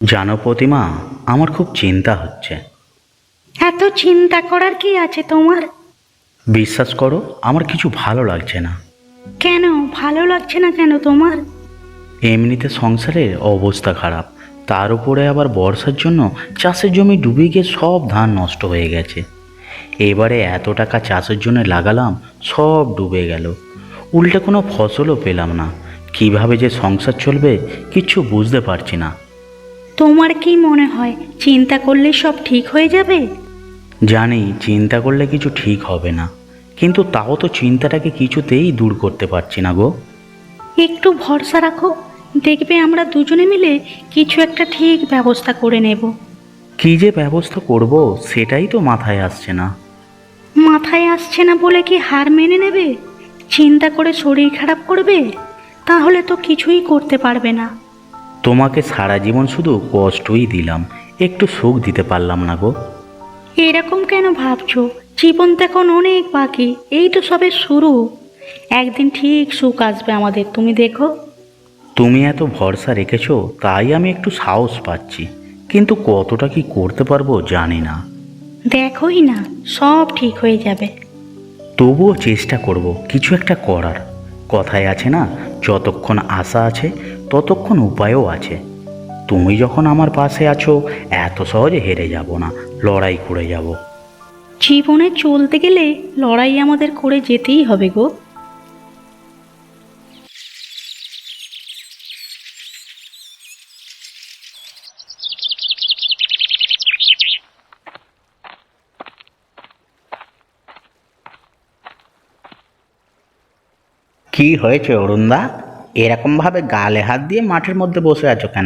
জানো প্রতিমা, আমার খুব চিন্তা হচ্ছে। এত চিন্তা করার কি আছে তোমার? বিশ্বাস করো, আমার কিছু ভালো লাগছে না। কেন ভালো লাগছে না কেন তোমার? এমনিতে সংসারের অবস্থা খারাপ, তার উপরে আবার বর্ষার জন্য চাষের জমি ডুবে গিয়ে সব ধান নষ্ট হয়ে গেছে। এবারে এত টাকা চাষের জন্য লাগালাম, সব ডুবে গেল। উল্টে কোনো ফসলও পেলাম না। কিভাবে যে সংসার চলবে কিচ্ছু বুঝতে পারছি না। তোমার কি মনে হয় চিন্তা করলে সব ঠিক হয়ে যাবে? জানি চিন্তা করলে কিছু ঠিক হবে না, কিন্তু তাও তো চিন্তাটাকে কিছুতেই দূর করতে পারছি না গো। একটু ভরসা রাখো, দেখবে আমরা দুজনে মিলে কিছু একটা ঠিক ব্যবস্থা করে নেব। কী যে ব্যবস্থা করব সেটাই তো মাথায় আসছে না। মাথায় আসছে না বলে কি হার মেনে নেবে? চিন্তা করে শরীর খারাপ করবে? তাহলে তো কিছুই করতে পারবে না। তোমাকে সারা জীবন শুধু কষ্টই দিলাম, একটু সুখ দিতে পারলাম না গো। এরকম কেন ভাবছো? জীবন তো এখন অনেক বাকি, এই তো সবে শুরু। একদিন ঠিক সুখ আসবে আমাদের, তুমি দেখো। তুমি এত ভরসা রেখেছো তাই আমি একটু সাহস পাচ্ছি, কিন্তু কতটা কি করতে পারবো জানি না। দেখোই না, সব ঠিক হয়ে যাবে। তবুও চেষ্টা করব কিছু একটা করার। কথায় আছে না, যতক্ষণ আশা আছে ততক্ষণ উপায়ও আছে। তুমি যখন আমার পাশে আছো, এত সহজে হেরে যাব না, লড়াই করে যাব। জীবনে চলতে গেলে লড়াই আমাদের করে যেতেই হবে গো। কি হয়েছে অরুণদা? এরকমভাবে গালে হাত দিয়ে মাঠের মধ্যে বসে আছো কেন?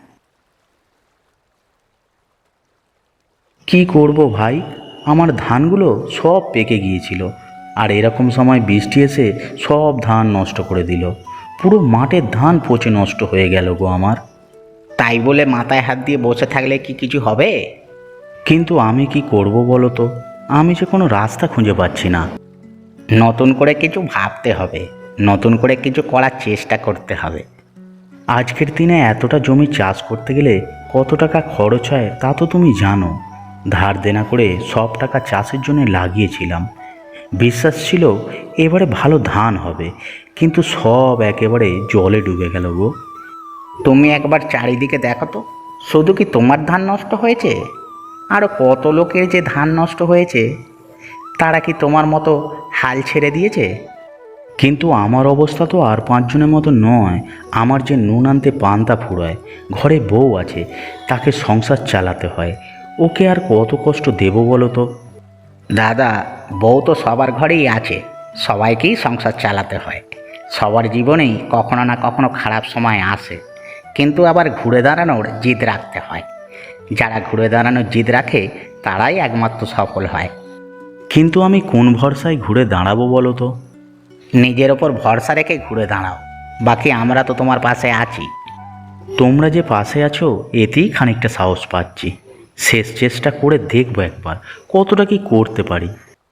কি করব ভাই, আমার ধানগুলো সব পেকে গিয়েছিল, আর এরকম সময় বৃষ্টি এসে সব ধান নষ্ট করে দিল। পুরো মাঠের ধান পচে নষ্ট হয়ে গেল গো আমার। তাই বলে মাথায় হাত দিয়ে বসে থাকলে কি কিছু হবে? কিন্তু আমি কি করব বলো তো, আমি যে কোনো রাস্তা খুঁজে পাচ্ছি না। নতুন করে কিছু ভাবতে হবে, নতুন করে কিছু করার চেষ্টা করতে হবে। আজকের দিনে এতটা জমি চাষ করতে গেলে কত টাকা খরচ হয় তা তো তুমি জানো। ধার দেনা করে সব টাকা চাষের জন্য লাগিয়েছিলাম, বিশ্বাস ছিল এবারে ভালো ধান হবে, কিন্তু সব একেবারে জলে ডুবে গেল গো। তুমি একবার চারিদিকে দেখো তো, শুধু কি তোমার ধান নষ্ট হয়েছে? আরও কত লোকের যে ধান নষ্ট হয়েছে, তারা কি তোমার মতো হাল ছেড়ে দিয়েছে? কিন্তু আমার অবস্থা তো আর পাঁচজনের মতো নয়। আমার যে নুন আনতে পান্তা ফুরায়, ঘরে বউ আছে, তাকে সংসার চালাতে হয়। ওকে আর কত কষ্ট দেব বলো তো? দাদা, বউ তো সবার ঘরেই আছে, সবাইকেই সংসার চালাতে হয়। সবার জীবনেই কখনো না কখনো খারাপ সময় আসে, কিন্তু আবার ঘুরে দাঁড়ানোর জিদ রাখতে হয়। যারা ঘুরে দাঁড়ানোর জিদ রাখে তারাই একমাত্র সফল হয়। কিন্তু আমি কোন ভরসায় ঘুরে দাঁড়াবো বলো তো? নিজের ওপর ভরসা রেখে ঘুরে দাঁড়াও, বাকি আমরা তো তোমার পাশে আছি। তোমরা যে পাশে আছো এতেই খানিকটা সাহস পাচ্ছি। শেষ চেষ্টা করে দেখবো একবার কতটা কি করতে পারি।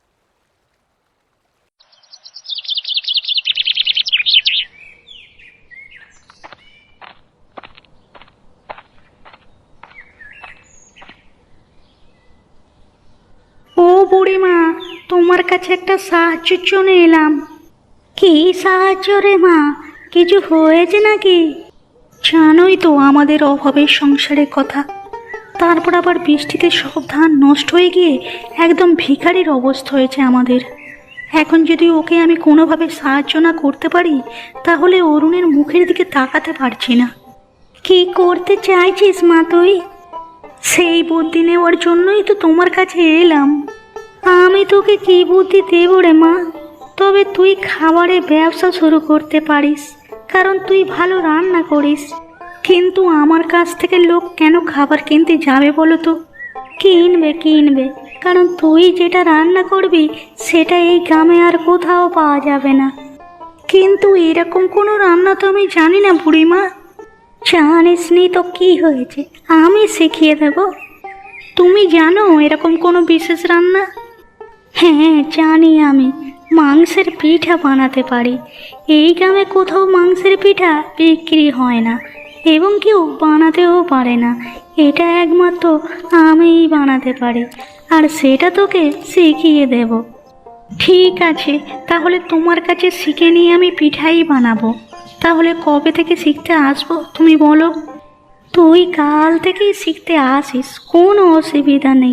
ও বুড়িমা, তোমার কাছে একটা সাহায্যের জন্য এলাম। কি সাহায্য রে মা? কিছু হয়েছে নাকি? জানোই তো আমাদের অভাবের সংসারের কথা, তারপর আবার বৃষ্টিতে সব ধান নষ্ট হয়ে গিয়ে একদম ভিখারির অবস্থা হয়েছে আমাদের। এখন যদি ওকে আমি কোনোভাবে সাহায্য না করতে পারি, তাহলে অরুণের মুখের দিকে তাকাতে পারছি না। কি করতে চাইছিস মা তুই? সেই বুদ্ধি নেওয়ার জন্যই তো তোমার কাছে এলাম। আমি তোকে কি বুদ্ধি দেব রে মা? তবে তুই খাবারের ব্যবসা শুরু করতে পারিস, কারণ তুই ভালো রান্না করিস। কিন্তু আমার কাছ থেকে লোক কেন খাবার কিনতে যাবে বলো তো? কিনবে কিনবে, কারণ তুই যেটা রান্না করবি সেটা এই গ্রামে আর কোথাও পাওয়া যাবে না। কিন্তু এরকম কোনো রান্না তো আমি জানি না বুড়িমা। জানিস নি তো কি হয়েছে, আমি শিখিয়ে দেব। তুমি জানো এরকম কোনো বিশেষ রান্না? হ্যাঁ জানি, আমি মাংসের পিঠা বানাতে পারি। এই গ্রামে কোথাও মাংসের পিঠা বিক্রি হয় না, এবং কেউ বানাতেও পারে না। এটা একমাত্র আমিই বানাতে পারি, আর সেটা তোকে শিখিয়ে দেব। ঠিক আছে, তাহলে তোমার কাছে শিখে নিয়ে আমি পিঠাই বানাবো। তাহলে কবে থেকে শিখতে আসবো তুমি বলো? তুই কাল থেকেই শিখতে আসিস, কোনো অসুবিধা নেই।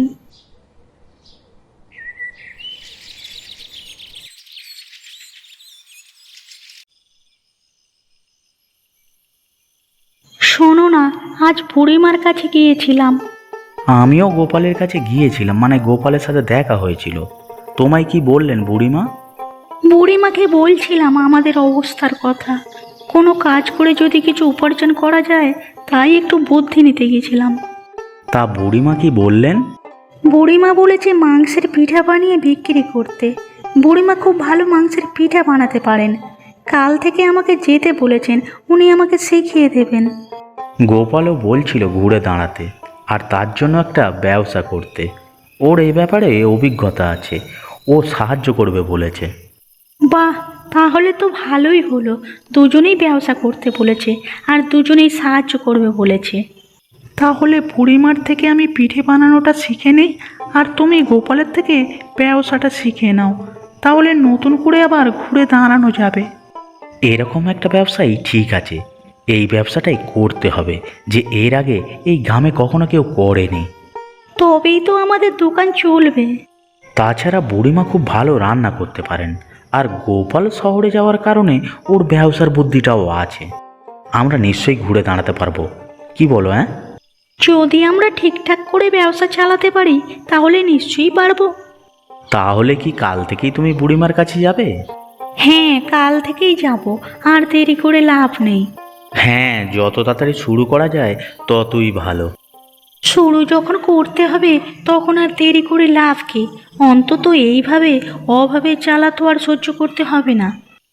শোনো না, আজ বুড়িমার কাছে গিয়েছিলাম। আমিও গোপালের কাছে গিয়েছিলাম, মানে গোপালের সাথে দেখা হয়েছিল। তোমায় কি বললেন বুড়িমা? বুড়িমাকে বলছিলাম আমাদের অবস্থার কথা, কোনো কাজ করে যদি কিছু উপার্জন করা যায় তাই একটু বুদ্ধি নিতে গিয়েছিলাম। তা বুড়িমা কি বললেন? বুড়িমা বলেছে মাংসের পিঠা বানিয়ে বিক্রি করতে। বুড়িমা খুব ভালো মাংসের পিঠা বানাতে পারেন। কাল থেকে আমাকে যেতে বলেছেন, উনি আমাকে শিখিয়ে দেবেন। গোপালও বলছিল ঘুরে দাঁড়াতে, আর তার জন্য একটা ব্যবসা করতে। ওর এই ব্যাপারে অভিজ্ঞতা আছে, ও সাহায্য করবে বলেছে। বাহ, তাহলে তো ভালোই হলো। দুজনেই ব্যবসা করতে বলেছে আর দুজনেই সাহায্য করবে বলেছে। তাহলে বুড়িমার থেকে আমি পিঠে বানানোটা শিখে নিই, আর তুমি গোপালের থেকে ব্যবসাটা শিখে নাও। তাহলে নতুন করে আবার ঘুরে দাঁড়ানো যাবে। এরকম একটা ব্যবসাই ঠিক আছে, এই ব্যবসাটাই করতে হবে, যে এর আগে এই গ্রামে কখনো কেউ করেনি। তবেই তো আমাদের দোকান চলবে। তাছাড়া বুড়িমা খুব ভালো রান্না করতে পারেন, আর গোপাল শহরে যাওয়ার কারণে ওর ব্যবসার বুদ্ধিটাও আছে। আমরা নিশ্চয়ই ঘুরে দাঁড়াতে পারবো, কি বলো? হ্যাঁ, যদি আমরা ঠিকঠাক করে ব্যবসা চালাতে পারি তাহলে নিশ্চয়ই পারবো। তাহলে কি কাল থেকেই তুমি বুড়িমার কাছে যাবে? হ্যাঁ, কাল থেকেই যাব, আর দেরি করে লাভ নেই। হ্যাঁ, যত তাড়াতাড়ি শুরু করা যায় ততই ভালো। শুরু যখন করতে হবে তখন আর দেরি করে লাভ কি? অন্তত এইভাবে অভাবে জ্বালা তো আর সহ্য করতে হবে না।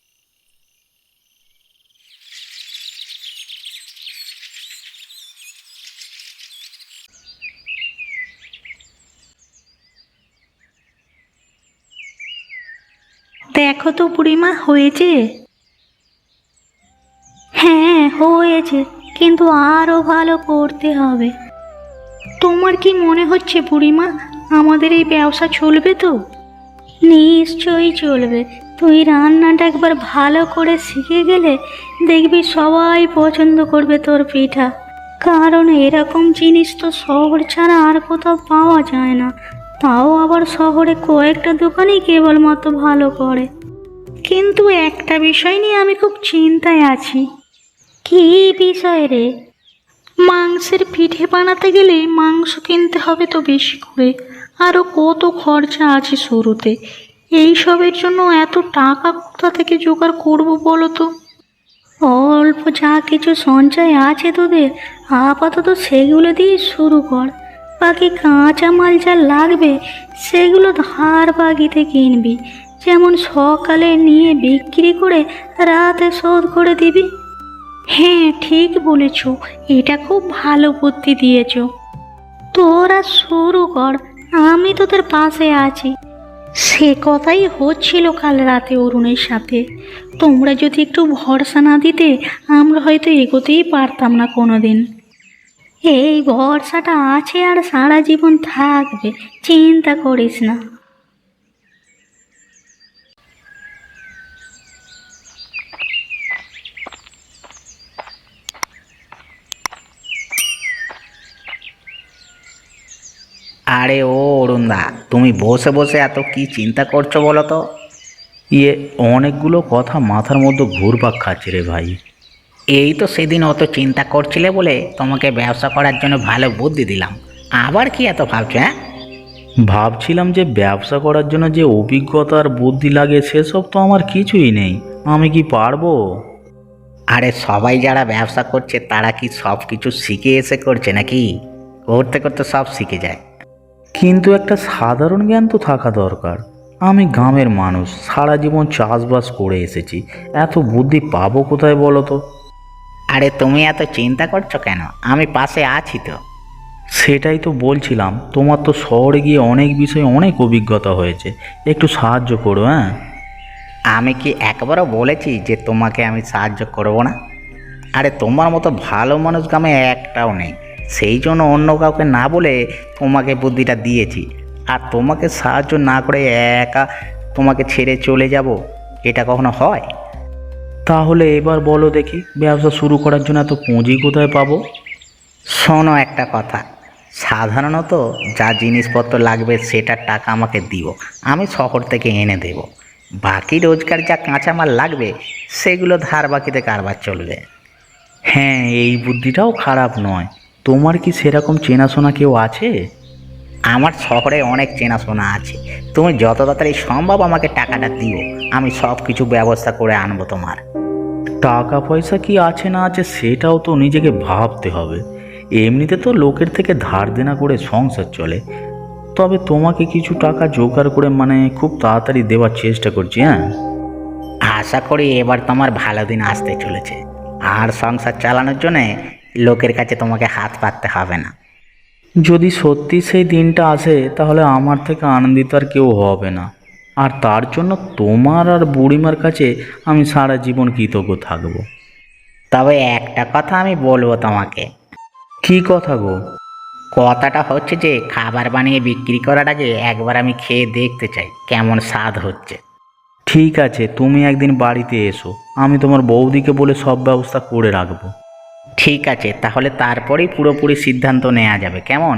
দেখো তো বুড়িমা, হয়েছে? হ্যাঁ হয়েছে, কিন্তু আরও ভালো করতে হবে। তোমার কি মনে হচ্ছে বুড়িমা, আমাদের এই ব্যবসা চলবে তো? নিশ্চয়ই চলবে। তুই রান্নাটা একবার ভালো করে শিখে গেলে দেখবি সবাই পছন্দ করবে তোর পিঠা। কারণ এরকম জিনিস তো শহর ছাড়া আর কোথাও পাওয়া যায় না। তাও আবার শহরে কয়েকটা দোকানেই কেবলমাত্র ভালো করে। কিন্তু একটা বিষয় নিয়ে আমি খুব চিন্তায় আছি। কী বিষয় রে? মাংসের পিঠে বানাতে গেলে মাংস কিনতে হবে তো বেশি করে, আরও কত খরচা আছে শুরুতে। এইসবের জন্য এত টাকা কোথা থেকে জোগাড় করবো বলো তো? অল্প যা কিছু সঞ্চয় আছে তোদের, আপাতত সেগুলো দিয়ে শুরু কর। বাকি কাঁচামাল যা লাগবে সেগুলো ধার বাকিতে কিনবি, যেমন সকালে নিয়ে বিক্রি করে রাতে শোধ করে দিবি। হ্যাঁ ঠিক বলেছ, এটা খুব ভালো বুদ্ধি দিয়েছ। তোরা শুরু কর, আমি তোদের পাশে আছি। সে কথাই হচ্ছিল কাল রাতে অরুণের সাথে। তোমরা যদি একটু ভরসা না দিতে আমরা হয়তো এগোতেই পারতাম না কোনো দিন। এই ভরসাটা আছে আর সারা জীবন থাকবে, চিন্তা করিস না। আরে ও অরুণদা, তুমি বসে বসে এত কি চিন্তা করছো বলো তো? অনেকগুলো কথা মাথার মধ্যে ঘুরপাক খাচ্ছে রে ভাই। এই তো সেদিন অত চিন্তা করছিলে বলে তোমাকে ব্যবসা করার জন্য ভালো বুদ্ধি দিলাম, আবার কি এত ভাবছো? হ্যাঁ, ভাবছিলাম যে ব্যবসা করার জন্য যে অভিজ্ঞতা আর বুদ্ধি লাগে সেসব তো আমার কিছুই নেই, আমি কি পারবো? আরে সবাই যারা ব্যবসা করছে তারা কি সব কিছু শিখে এসে করছে নাকি? করতে করতে সব শিখে যায়। কিন্তু একটা সাধারণ জ্ঞান তো থাকা দরকার। আমি গ্রামের মানুষ, সারা জীবন চাষবাস করে এসেছি, এত বুদ্ধি পাবো কোথায় বলো তো? আরে তুমি এত চিন্তা করছো কেন? আমি পাশে আছি তো। সেটাই তো বলছিলাম, তোমার তো শহরে গিয়ে অনেক বিষয়ে অনেক অভিজ্ঞতা হয়েছে, একটু সাহায্য করো। হ্যাঁ, আমি কি একবারও বলেছি যে তোমাকে আমি সাহায্য করব না? আরে তোমার মতো ভালো মানুষ গ্রামে একটাও নেই, সেই জন্য অন্য কাউকে না বলে তোমাকে বুদ্ধিটা দিয়েছি। আর তোমাকে সাহায্য না করে একা তোমাকে ছেড়ে চলে যাব, এটা কখনো হয়? তাহলে এবার বলো দেখি, ব্যবসা শুরু করার জন্য এত পুঁজি কোথায় পাবো? শোনো একটা কথা, সাধারণত যা জিনিসপত্র লাগবে সেটার টাকা আমাকে দিও, আমি শহর থেকে এনে দেব। বাকি রোজগার যা কাঁচামাল লাগবে সেগুলো ধার বাকিতে কারবার চলবে। হ্যাঁ, এই বুদ্ধিটাও খারাপ নয়। তোমার কি সেরকম চেনাশোনা কেউ আছে? আমার শহরে অনেক চেনাশোনা আছে, তুমি যত তাড়াতাড়ি সম্ভব আমাকে টাকাটা দিও, আমি সব কিছু ব্যবস্থা করে আনবো তোমার। টাকা পয়সা কি আছে না আছে সেটাও তো নিজেকে ভাবতে হবে। এমনিতে তো লোকের থেকে ধার দেনা করে সংসার চলে। তবে তোমাকে কিছু টাকা জোগাড় করে খুব তাড়াতাড়ি দেওয়ার চেষ্টা করছি। হ্যাঁ, আশা করি এবার তোমার ভালো দিন আসতে চলেছে, আর সংসার চালানোর জন্যে লোকের কাছে তোমাকে হাত পাততে হবে না। যদি সত্যি সেই দিনটা আসে তাহলে আমার থেকে আনন্দিত আর কেউ হবে না। আর তার জন্য তোমার আর বুড়িমার কাছে আমি সারা জীবন কৃতজ্ঞ থাকবো। তবে একটা কথা আমি বলবো তোমাকে। কী কথা গো? কথাটা হচ্ছে যে খাবার বানিয়ে বিক্রি করার আগে একবার আমি খেয়ে দেখতে চাই কেমন স্বাদ হচ্ছে। ঠিক আছে, তুমি একদিন বাড়িতে এসো, আমি তোমার বৌদিকে বলে সব ব্যবস্থা করে রাখবো। ঠিক আছে, তাহলে তারপরেই পুরোপুরি সিদ্ধান্ত নেওয়া যাবে, কেমন?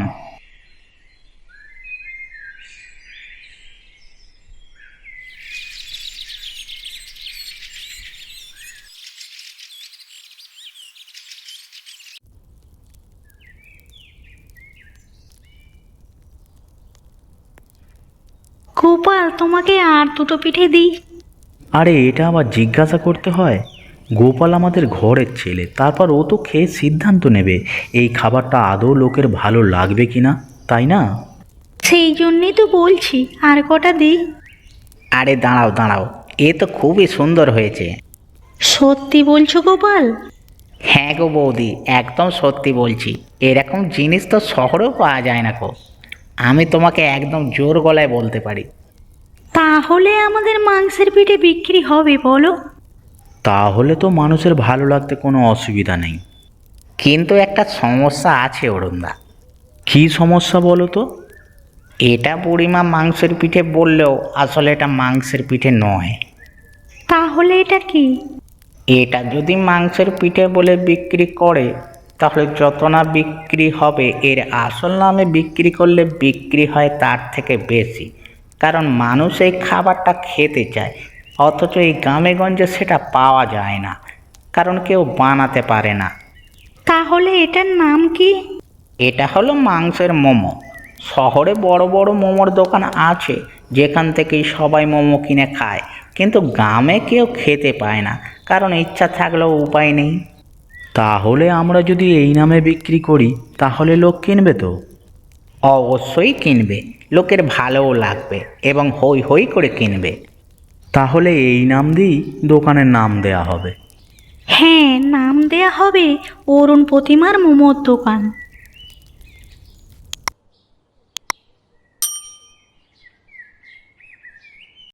গোপাল, তোমাকে আর দুটো পিঠে দিই? আরে এটা আবার জিজ্ঞাসা করতে হয়? গোপাল আমাদের ঘরের ছেলে, তারপর ও তো খেয়ে সিদ্ধান্ত নেবে এই খাবারটা আদৌ লোকের ভালো লাগবে কি না, তাই না? সেই জন্যই তো বলছি, আর কটা দিই? আরে দাঁড়াও দাঁড়াও, এ তো খুবই সুন্দর হয়েছে। সত্যি বলছো গোপাল? হ্যাঁ গো বৌদি, একদম সত্যি বলছি, এরকম জিনিস তো শহরেও পাওয়া যায় না গো। আমি তোমাকে একদম জোর গলায় বলতে পারি। তাহলে আমাদের মাংসের পিঠে বিক্রি হবে বলো? তাহলে তো মানুষের ভালো লাগতে কোনো অসুবিধা নেই। কিন্তু একটা সমস্যা আছে অরুণদা। কী সমস্যা বলো তো? এটা বুড়িমা মাংসের পিঠে বললেও আসলে এটা মাংসের পিঠে নয়। তাহলে এটা কি? এটা যদি মাংসের পিঠে বলে বিক্রি করে তাহলে যত না বিক্রি হবে, এর আসল নামে বিক্রি করলে বিক্রি হয় তার থেকে বেশি। কারণ মানুষ এই খাবারটা খেতে চায়, অথচ এই গ্রামে গঞ্জে সেটা পাওয়া যায় না, কারণ কেউ বানাতে পারে না। তাহলে এটার নাম কি? এটা হলো মাংসের মোমো। শহরে বড় বড় মোমোর দোকান আছে যেখান থেকেই সবাই মোমো কিনে খায়, কিন্তু গ্রামে কেউ খেতে পায় না, কারণ ইচ্ছা থাকলেও উপায় নেই। তাহলে আমরা যদি এই নামে বিক্রি করি তাহলে লোক কিনবে তো? অবশ্যই কিনবে, লোকের ভালোও লাগবে এবং হই হই করে কিনবে। তাহলে এই নাম দিয়েই দোকানের নাম দেয়া হবে। হ্যাঁ, নাম দেয়া হবে অরুণ প্রতিমার মোমোর দোকান।